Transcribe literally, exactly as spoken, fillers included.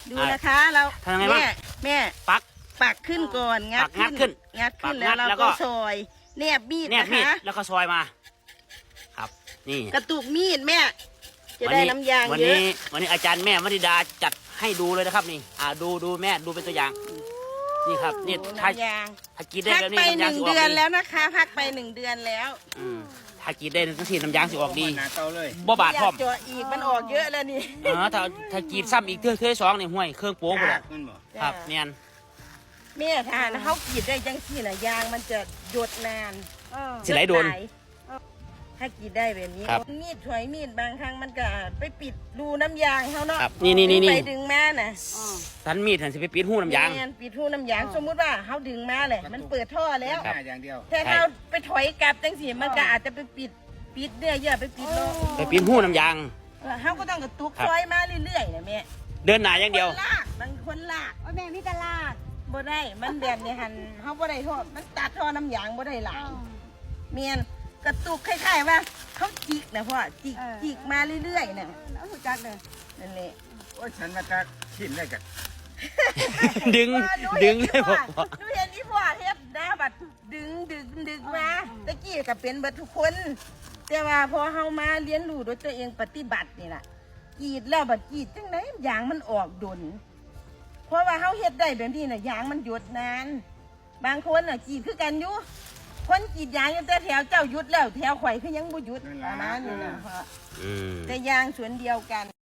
ดูนะคะเราทำยังไงบ้างแม่แม่ปักปักขึ้นก่อนงัดปักงัดขึ้นงัดขึ้นปักงัแล้วดเราแล้วก็ก็ซอยแนบมีดแนบนะมีดคะแล้วก็ซอยมา ครับ นี่กระตุกมีดแม่จะวัได้นี้น้ำยางวันเยอะนี้วันนี้อาจารย์แม่วนิดาจัดให้ดูเลยนะครับนี่ อ่าดูดูแม่ดูเป็นตัวอย่าง นี่ครับนี่โอ้ถ้าน้ำยางถ้ากินได้พักแบบนี้ไปหน้ำยางนึ่งสิออกเดือนดีแล้วนะคะ พักไปหนึ่งเดือนแล้วอืมถ้ากินได้ทั้งที่น้ำยางสิออกดีหนาเตาเลยบ่บาดพร้อมยกเจาะอีกมันออกเยอะแล้วนี่เออถ้าถ้ากินซ้ำอีกเทื่อเทื่อสองนี่ห่วยเครื่องโป๊กเลยมันบอกครับเนียนแม่ทานเขากรีดได้จังสี่น่ะยางมันจะหยดนานสิไหลโดนถ้ากรีดได้แบบนี้ครับมีดถอยมีดบางครั้งมันก็ไปปิดรูน้ำยางเขาเนาะครับนี่นี่นี่นี่ไปดึงมาน่ะทันมีดทันสิไปปิดหูน้ำยางแม่นปิดรูน้ำยางสมมุติว่าเขาดึงมาเลยมันเปิดท่อแล้วครับหน้าอย่างเดียวแต่เขาไปถอยกลับจังสี่มันก็อาจจะไปปิดปิดเนื้อเยื่อไปปิดโลไปปิดหูน้ำยางเขาก็ต้องกระตุกครับซอยมาเรื่อยๆนะแม่เดินหน้าอย่างเดียวคนลากบางคนลากโอ้ยแม่มีตลาดบ่ได้มันแบบนี้หันเขาบ่ได้ท่อมันตัดท่อน้ำยางบ่ได้หลายเมียนกระตุกคล้ายๆว่าเขาจิกนะพ่อจิกจิกมาเรื่อยๆน่ะเอาหูจักเลยนั่นแหละโอ้ยฉันมาจากขินได้กันดึงว่าหนูดึเห็งนเลยพ่บออกว่าหนูเห็นที่พ่อเฮ็ดนะบัดดึงดึงดึงมาตะกี้ก็เป็นเบิดทุกคนแต่ว่าพอเฮามาเรียนรู้ด้วยตัวเองปฏิบัตินี่ล่ะกรีดแล้วบัดกรีดจังไดยางมันออกดนเพราะว่าเฮาเฮ็ดได้แบบนี้น่ะยางมันหยุดนาน บางคนน่ะกรีดคือกันอยู่คนกรีดยางอยู่แต่แถวเจ้าหยุดแล้วแถวข่อยคือยังบ่หยุดประมาณนี้นะพ่ออืมแต่ยางสวนเดียวกัน